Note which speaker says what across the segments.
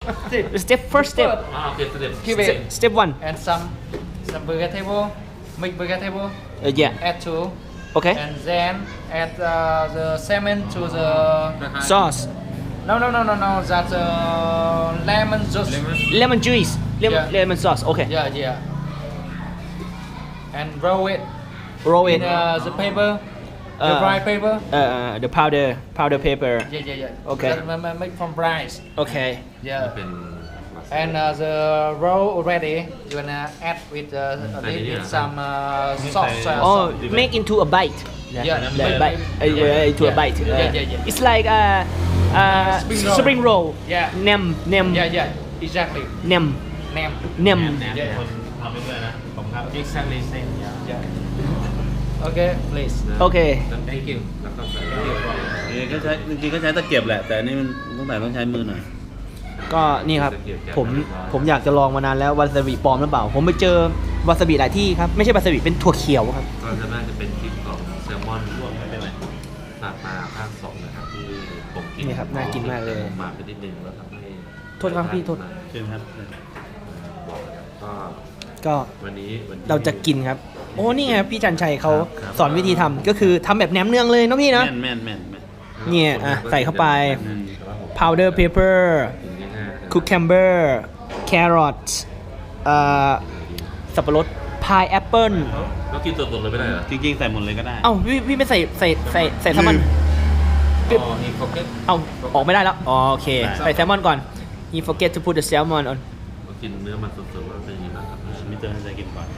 Speaker 1: step first step
Speaker 2: โอเคสเต็ป
Speaker 3: Keep it.
Speaker 1: step one
Speaker 3: And some vegetable, mix vegetable.
Speaker 1: yeah
Speaker 3: Add to.
Speaker 1: okay
Speaker 3: And then add the salmon to the.
Speaker 1: sauce
Speaker 3: No. That's lemon juice.
Speaker 1: lemon juice
Speaker 3: Yeah.
Speaker 1: lemon sauce okay
Speaker 3: Yeah. And roll it
Speaker 1: roll
Speaker 3: in
Speaker 1: it
Speaker 3: the paper, the dry paper.
Speaker 1: the powder paper
Speaker 3: Yeah.
Speaker 1: Okay.
Speaker 3: That make from rice.
Speaker 1: okay
Speaker 3: Yeah.
Speaker 2: เป็น
Speaker 3: And the roll already, you wanna add with some sauce.
Speaker 1: oh make into a bite
Speaker 3: Yeah.
Speaker 1: bite into a bite
Speaker 3: Yeah.
Speaker 1: it's like spring roll
Speaker 3: Yeah.
Speaker 1: nem
Speaker 3: Yeah. Exactly.
Speaker 1: nem
Speaker 3: Name.
Speaker 1: nem
Speaker 2: คนทำไปด้วยนะผมครับ exactly same
Speaker 3: Yeah. Okay, please.
Speaker 1: okay
Speaker 2: thank you แล้วก็ใส่
Speaker 4: ก็ใช้จริงๆก็ใช้ตะเกียบแหละ แต่อันนี่มันต้องใช้มือหน่อย
Speaker 1: ก็นี่ครับผมอยากจะลองมานานแล้ววาซาบิปลอมหรือเปล่า ผมไปเจอวาซาบิหลายที่ครับ ไม่ใช่วาซาบิเป็นถั่วเขียวครับ
Speaker 2: ก็จะน่าจะเป็นคลิปของแซลมอนรวมไม่เป็นไรตาปลาภาค 2นะครับที่ผมกิน
Speaker 1: นี่ครับน่ากินมากเลย
Speaker 2: ผมมาไปนิดนึงแล้วทำให้
Speaker 1: โทษครับพี่โทษ
Speaker 4: เชิญครับ
Speaker 2: ก็
Speaker 1: ก็
Speaker 2: วันนี้
Speaker 1: เราจะกินครับ โอ้นี่ไงพี่จันชัยเขา
Speaker 2: ครับ
Speaker 1: สอนวิธีทำก็คือทำแบบแหนมเนืองเลยเนาะพี่เนาะ
Speaker 4: แม่น
Speaker 1: เนี่ยใส่เข้าไป
Speaker 4: อืม
Speaker 1: powder pepper
Speaker 2: กินง่ายๆ
Speaker 1: cucumber carrot สับปะรด pineapple
Speaker 2: แล้วกินสดๆเลยไม่ได้เหรอ
Speaker 4: จริงๆ ใส่หมดเลยก็ได้
Speaker 1: เอ้าพี่ไม่ใส่แซลมอน
Speaker 2: อ๋อนี่โฟกัส
Speaker 1: เอาออกไม่ได้แล้วอ๋อโอเคใส่แซลมอนก่อน you forget to put the salmon on
Speaker 2: เรากินเนื้อมันสดๆว่าเป็นยังไงบ้างครับ
Speaker 4: มิสเตอร์ให้ใจกินก่อน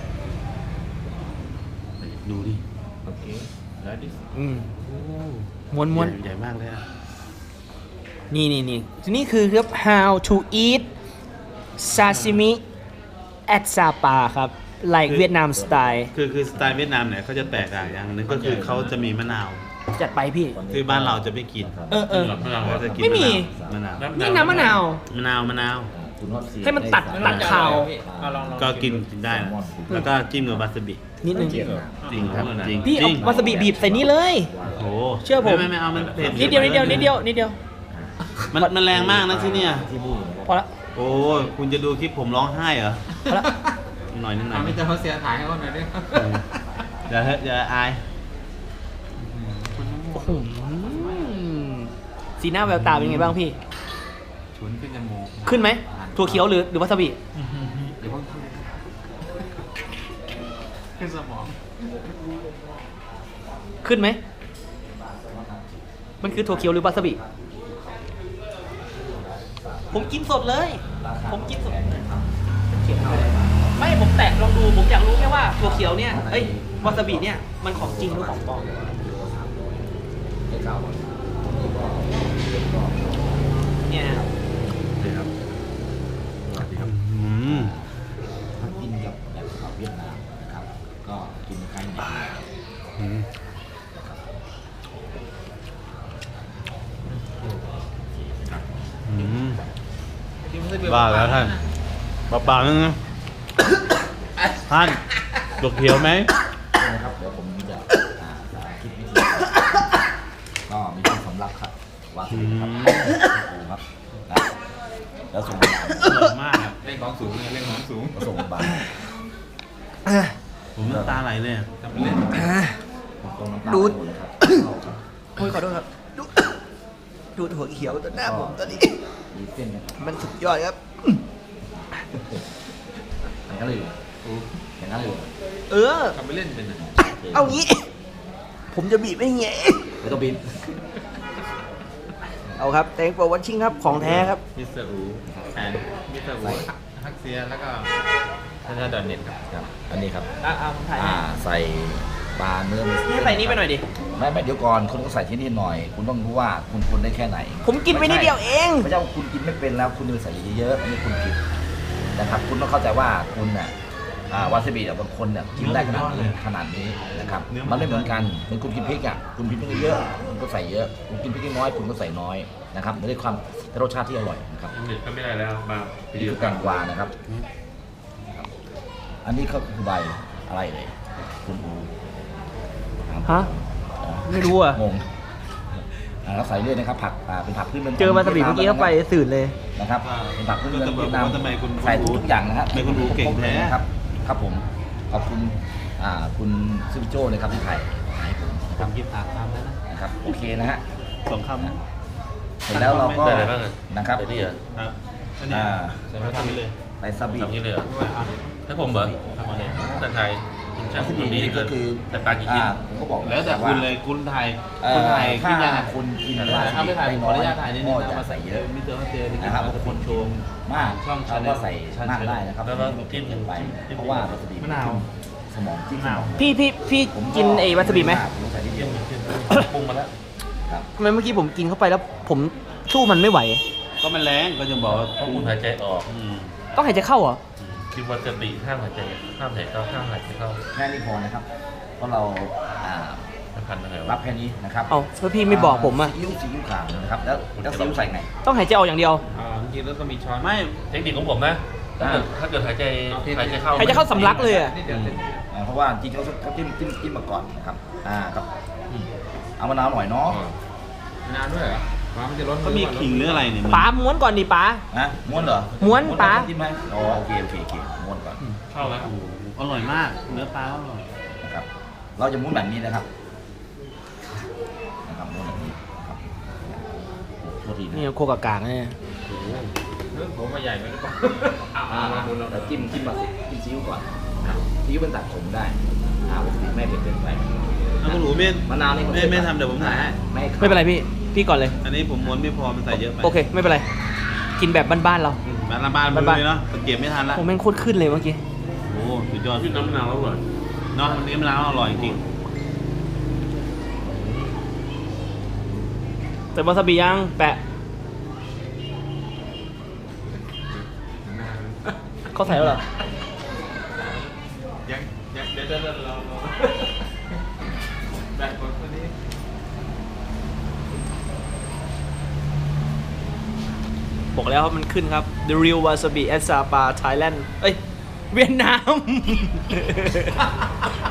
Speaker 4: ดูดิ
Speaker 2: โอเคแล้วดิ
Speaker 1: อืมม้วน
Speaker 4: ใหญ่มากเลยอะ
Speaker 1: ๆนี่คือครับ how to eat sashimi at Sapa ครับ like เวียดนามสไตล์
Speaker 4: คือสไตล์เวียดนามเนี่ยเขาจะแตกต่างอย่างหนึงก็คือเขาจะมีมะนาว
Speaker 1: จัดไปพี่
Speaker 4: คือบ้านเราจะไม่กิน
Speaker 1: เออ
Speaker 4: เราจะกิน
Speaker 1: ไม่มี
Speaker 4: มะนาว
Speaker 1: นี่น้ำมะนาว
Speaker 4: มะนาว
Speaker 1: ให้มันตัดคาว
Speaker 4: ก็กินได้นะแล้วก็จิ้มกับวาซาบิ
Speaker 1: นิดนึง
Speaker 4: จริงครับจริง
Speaker 1: พี่เอาวาซาบิบีบใส่นี่เลย
Speaker 4: โอ้
Speaker 1: เชื่อผม
Speaker 4: ไม่เอามันเผ็ด
Speaker 1: นิดเดียว
Speaker 4: มันแรงมากนะที่เนี่ย
Speaker 1: พอละ
Speaker 4: โอ้คุณจะดูคลิปผมร้องไห้เหรอ
Speaker 1: พอละ
Speaker 4: หน่อยนึง
Speaker 3: ไม่จะเขาเสียถ่ายให้เขาหน่อยดิ
Speaker 4: อย่าอาย
Speaker 1: โอ้โหสีหน้าแววตาเป็นไงบ้างพี่
Speaker 3: ฉุนขึ้นจมูก
Speaker 1: ขึ้นไหมถั่วเขียวหรือวาซาบิ
Speaker 3: เดี๋ยวเพิ่งขึ้นสมอง
Speaker 1: ขึ้นไหมมันคือถั่วเขียวหรือวาซาบิผมกินสดเลย ผมกินสดไม่ผมแตะลองดูผมอยากรู้แค่ว่าถั่วเขียวเนี่ยวาซาบิเนี่ยมันของจริงหรือของปลอมเนี่ย
Speaker 2: นี่ครับสวัสดีครับ
Speaker 5: กินกับแบบเวียดนามนะครับ ก็กินคล้ายๆ
Speaker 4: บ้าแล้วท่านเปล่าๆนึงนะท่านดอกเขียวไหม
Speaker 5: นะครับเดี๋ยวผมจะคิดวิธีก็มีที่สำรับครับวาซาบิครับครับแล้วส่ง
Speaker 4: อร่อยมากอะ
Speaker 3: เล่นของสูงเล่นของสูง
Speaker 5: ส่งบา
Speaker 4: ผมน้ำตาไหลเลยอะ
Speaker 3: ทำเล่น
Speaker 5: ตรงน้ำตาลนะครับ
Speaker 1: โอ้ยขอโทษครับดูถั่วเขียวตัวหน้าผมตัวนี้
Speaker 5: มีเส้นนะครับ
Speaker 1: มันสุดยอดครับ
Speaker 5: อย่างนั้นเลยอย่างนั้นเลย
Speaker 1: เออ
Speaker 3: ทำไปเล่นเป็นอ่ะ
Speaker 1: เอางี้ ผมจะบีบให้เงี้ย
Speaker 5: ไม่ต้องบิน
Speaker 1: เอาครับ thank for watching ครับ ของแท้ครับ
Speaker 2: มิสเตอร์อูแอนมิสเตอร์อูฮักเซียแล้วก็ท่านดอนเน็ตครับ
Speaker 5: ครับ อันนี้ครับ
Speaker 1: ผมถ่าย
Speaker 5: ใส่ปลาเนื้อ
Speaker 1: นี่ใส่นี่ไปหน่อยดิ
Speaker 5: ไม่เดี๋ยวก่อนคุณก็ใส่ที่นี่หน่อย คุณต้องรู้ว่าคุณควรได้แค่ไหน
Speaker 1: ผมกินไปนิดเดียวเอง
Speaker 5: ไม่ใช่ว่าคุณกินไม่เป็นแล้วคุณจะใส่เยอะๆอันนี้คุณผิดนะครับ คุณต้องเข้าใจว่าคุณน่ะวาซาบิบางคนเนี่ยกินได้ขนาดนี้นะครับมันไม่เหมือนกันเหมือนคุณกินพริกอ่ะคุณกินพริกเยอะคุณก็ใส่เยอะคุณกินพริกน้อยคุณก็ใส่น้อยนะครับไม่ได้ความรสชาติที่อร่อยนะครับ
Speaker 2: เน็ตก็ไม่ได้แล้วมา
Speaker 5: นี่คือแตงกวานะครับ อันนี้ก็คือใบอะไรเลยคุณอู
Speaker 1: ฮะ ไม่รู้อ่ะ
Speaker 5: งงเราใส่เรื่อยนะครับผักเป็นผักพื้นเมือง
Speaker 1: เจอวาซาบิเมื่อกี้เข้าไปสื่นเลย
Speaker 5: นะครับเป็นผักพื้นเมืองเวียดนาม
Speaker 4: ทำไมคุณ
Speaker 5: ใส่ทุกอย่างนะครับ
Speaker 4: ทำไมคุณรู้เก่งแท้
Speaker 5: ครับครับผมขอบคุณคุณซิมโจ้เลยครับที่ถ่ายให้ผมนะ
Speaker 4: ผ
Speaker 5: ครับ
Speaker 4: มกินผักตามแล้วนะ
Speaker 5: นะครับโอเคนะฮะ
Speaker 4: สองคำ
Speaker 5: เสร็จแล้วเราก็
Speaker 2: ได้อะไรบ้างอะ
Speaker 5: นะครับ
Speaker 2: ได้นี่เหรอ
Speaker 4: ครับอันนี้ใส่มาทำไปเลย
Speaker 5: ใส่ซาบิ
Speaker 2: ทำนี่เลยเหรอให้ผมเหรอ
Speaker 4: ทำมาเลย
Speaker 2: แต่ไทยคุณช่าง
Speaker 5: ซา
Speaker 2: ค
Speaker 5: บิ
Speaker 2: นนี้
Speaker 5: นี่
Speaker 2: เกิ
Speaker 5: ก็
Speaker 2: น
Speaker 5: คือ
Speaker 2: แต่ปลากี่ชิ้น
Speaker 5: ผมก็บอก
Speaker 4: แล้วแต่คุณเลยคุณไทยคุณไทย
Speaker 5: ถ้า
Speaker 4: คิดยังไง
Speaker 5: คุณกิน
Speaker 4: ถ้าไม่ถ่ายผมขออนุญาตถ่ายนิดนึง
Speaker 5: ก็
Speaker 4: นะ
Speaker 5: จะ
Speaker 4: มา
Speaker 5: ใส่เยอะ
Speaker 4: มิสเตอร์ฮัตเจอร์
Speaker 5: นะครับ
Speaker 4: จะคนโชว์
Speaker 5: มาก
Speaker 4: ช่อง
Speaker 5: เราก็ใส่
Speaker 4: Channel
Speaker 5: มากได้นะครับ
Speaker 2: แล้วก็
Speaker 5: ไม่
Speaker 2: จิ้ม
Speaker 5: เกินไป
Speaker 2: จิ้ม
Speaker 5: เพราะว่าวาซาบิ
Speaker 4: มะนาว
Speaker 5: สมองจิ้ม
Speaker 4: มะนาว
Speaker 1: พี่
Speaker 5: ผม
Speaker 1: กินไอ้วาซาบิไหม
Speaker 5: ผมใส่ที่เดี
Speaker 2: จิ้
Speaker 5: ย
Speaker 2: ม
Speaker 5: ว
Speaker 2: จิ้มปรุงมาแล้ว
Speaker 5: ครับ
Speaker 1: ทำไมเมื่อกี้ผมกินเข้าไปแล้วผมสู้มันไม่ไหว
Speaker 4: ก็มันแรงก็จะบอกว่า
Speaker 2: เพราะคุณหายใจออก
Speaker 1: ต้องหายใจเข้าเหรอ
Speaker 2: กินวาซาบิห้ามหายใจห้ามหายใจเข้าห้ามหายใจเข้า
Speaker 5: แค่นี้พอนะครับ เพราะเราอ่า
Speaker 2: มันพันยังไง
Speaker 5: รั
Speaker 2: วะ
Speaker 5: บแค่นี้นะครับ
Speaker 1: เอ้าแล้วพี่ไม่บอกผมอ่ะ
Speaker 5: ซีอิ๊วขาวนะครับแล้วซีอิ๊วใส่ไง
Speaker 1: ต้องหายใจออกอย่างเดียว
Speaker 4: จริงๆแล้วก็มีช้อนไม่
Speaker 2: เทคนิคของผมนะถ้าเกิดหายใจเข้า
Speaker 1: หายใจเข้าสำลักเลยอ่ะ
Speaker 5: เพราะว่าจริงๆเขาจิ้มมาก่อนนะครับครับเอามะนาวหน่อยเนาะ
Speaker 3: นานด้วยเหรอมันจะล้น
Speaker 4: ก็มีขิงหรืออะไรเนี่ย
Speaker 1: ป๋าม้วนก่อนดิป๋า
Speaker 5: นะม้วนเหรอ
Speaker 1: ม้วนปลา
Speaker 5: จิ้มไหมอ๋อโอเคม้วนก่อน
Speaker 2: เข้าแล้ว
Speaker 4: อร่อยมาก เนื้อปลาอร่อย
Speaker 5: นะครับ เราจะม้วนแบบนี้นะครับม้วนแบบนี้นะครับโทษทีนะ
Speaker 1: นี่โคกากางเนี่ย
Speaker 3: ผมมาใหญ่ไหมหรือเปล่า
Speaker 5: แล้วจิ้มมาสิจิ้มซีอิ๊วก่อนซีอิ๊วเป็นตัดขมได้วาซาบิไม่เผ็ดเกินไป
Speaker 4: แล้วคุณหนูเม่น
Speaker 5: มะนาวนี่
Speaker 4: ไม่ทำเดี๋ยวผมถ่ายให้
Speaker 1: ไม่เป็นไรพี่ก่อนเลย
Speaker 4: อันนี้ผมม้วนไม่พอมันใส่เยอะไป
Speaker 1: โอเค ไม่เป็นไร กินแบบบ้านๆเรา
Speaker 4: มาละบ้านมันเลยเนาะเก็บไม่ทันละ
Speaker 1: ผมแม่งโคตรขึ้นเลยเมื่อกี้
Speaker 4: โอ้สุดยอด
Speaker 2: พี่น้ำมะนาวอร่อย
Speaker 4: เนาะวันนี้มะนาวอร่อยจริง
Speaker 1: แต่วาซาบิยังแปะเขาใส่แล้วเหรอ
Speaker 4: ยังเดี๋ยวเราแบ่งคนคนนี้
Speaker 1: บอกแล้วครับมันขึ้นครับ The Real Wasabi at Sapa Thailand เอ้ย เวียดนาม